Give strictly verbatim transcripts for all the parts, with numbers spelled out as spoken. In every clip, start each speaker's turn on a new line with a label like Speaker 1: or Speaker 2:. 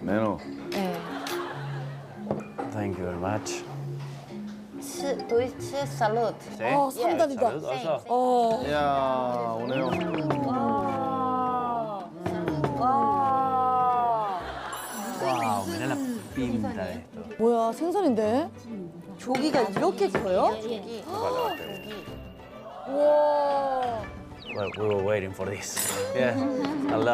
Speaker 1: 메뉴.
Speaker 2: 네.
Speaker 3: Thank you very much.
Speaker 2: 吃对吃 salad.
Speaker 3: 네.
Speaker 4: 어, 상단이다.
Speaker 3: 어서.
Speaker 4: 어.
Speaker 1: 이야, 오네요.
Speaker 4: 와.
Speaker 3: Wow, mira la pinta de esto.
Speaker 4: 뭐야, 생선인데?
Speaker 2: 조기가 이렇게 커요?
Speaker 4: 우와.
Speaker 3: Well, we were waiting for this. Yeah, hello.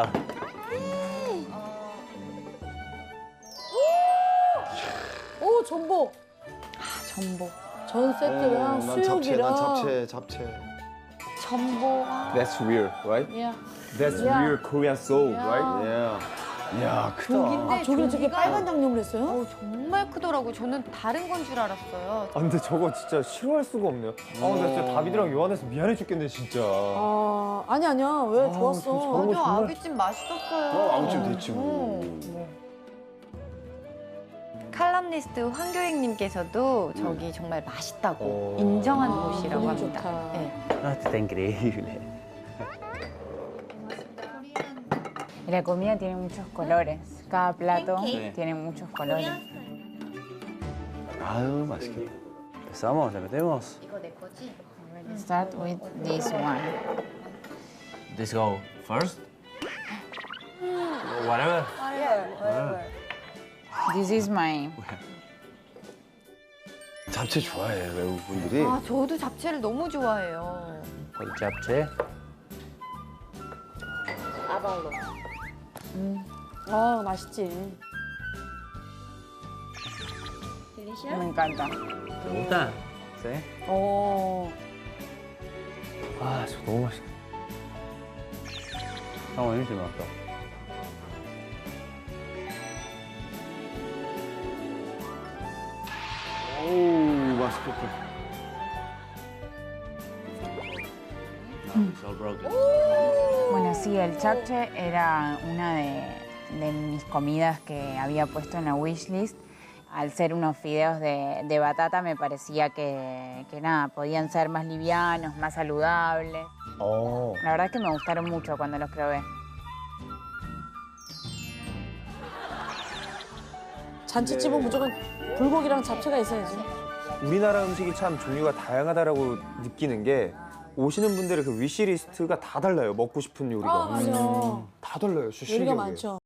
Speaker 4: 오, 전복.
Speaker 2: 전복.
Speaker 4: 전 세트랑
Speaker 1: 난 잡채,
Speaker 4: 수육이랑.
Speaker 1: 난 잡채, 잡채.
Speaker 2: 전복.
Speaker 5: That's real, right?
Speaker 4: 야.
Speaker 5: That's
Speaker 4: Yeah.
Speaker 5: real Korean soul,
Speaker 4: Yeah.
Speaker 5: right?
Speaker 1: 예. 이야, 크다.
Speaker 4: 아, 저기 저게 빨간 양념을 했어요?
Speaker 2: 어, 정말 크더라고요. 저는 다른 건 줄 알았어요.
Speaker 5: 아, 근데 저거 진짜 싫어할 수가 없네요. 아, 근데 진짜 다비드랑 요한에서 미안해 죽겠네, 진짜.
Speaker 4: 아, 아니 아니야. 왜 좋았어?
Speaker 5: 저런 거
Speaker 2: 맞아,
Speaker 5: 정말-
Speaker 2: 아귀찜 맛있었어요.
Speaker 1: 어, 아구찜 됐지 뭐.
Speaker 2: 칼럼니스트 황교익님께서도 저기 정말 맛있다고
Speaker 5: 어.
Speaker 2: 인정한
Speaker 4: 아,
Speaker 2: 곳이라고
Speaker 4: 분위기
Speaker 2: 합니다.
Speaker 4: 좋다.
Speaker 2: 네.
Speaker 3: No, esto está increíble.
Speaker 6: Y la comida tiene muchos colores. Cada plato
Speaker 3: Sí.
Speaker 6: tiene muchos colores.
Speaker 1: 아유, 맛있겠다.
Speaker 3: ¿Empezamos? ¿Le metemos?
Speaker 6: Start with this one.
Speaker 3: Let's go first. Whatever.
Speaker 6: This is my
Speaker 1: 잡채 좋아해, 외국분들이.
Speaker 2: 아, 저도 잡채를 너무 좋아해요.
Speaker 3: El japchae.
Speaker 4: 아, 맛있지.
Speaker 6: me encanta.
Speaker 3: ¿Te gusta? Sí.
Speaker 4: 어.
Speaker 5: 아, 저 너무 맛있겠다.
Speaker 3: Está buenísimo esto.
Speaker 1: 어우, 맛있겠다.
Speaker 3: It's all broken.
Speaker 6: Bueno, sí, el chapche era una de, de mis comidas que había puesto en la wishlist. Al ser unos fideos de, de batata me parecía que, que nada, podían ser más livianos, más saludables.
Speaker 5: 어.
Speaker 6: La verdad es que me gustaron mucho cuando los probé.
Speaker 4: 잔치집은 무조건 불고기랑 잡채가 있어야지.
Speaker 5: 우리나라 음식이 참 종류가 다양하다라고 느끼는 게 오시는 분들의 그 위시리스트가 다 달라요. 먹고 싶은 요리가.
Speaker 4: 아, 맞아.
Speaker 5: 다 달라요.
Speaker 4: 요리가
Speaker 5: 시식이.
Speaker 4: 많죠.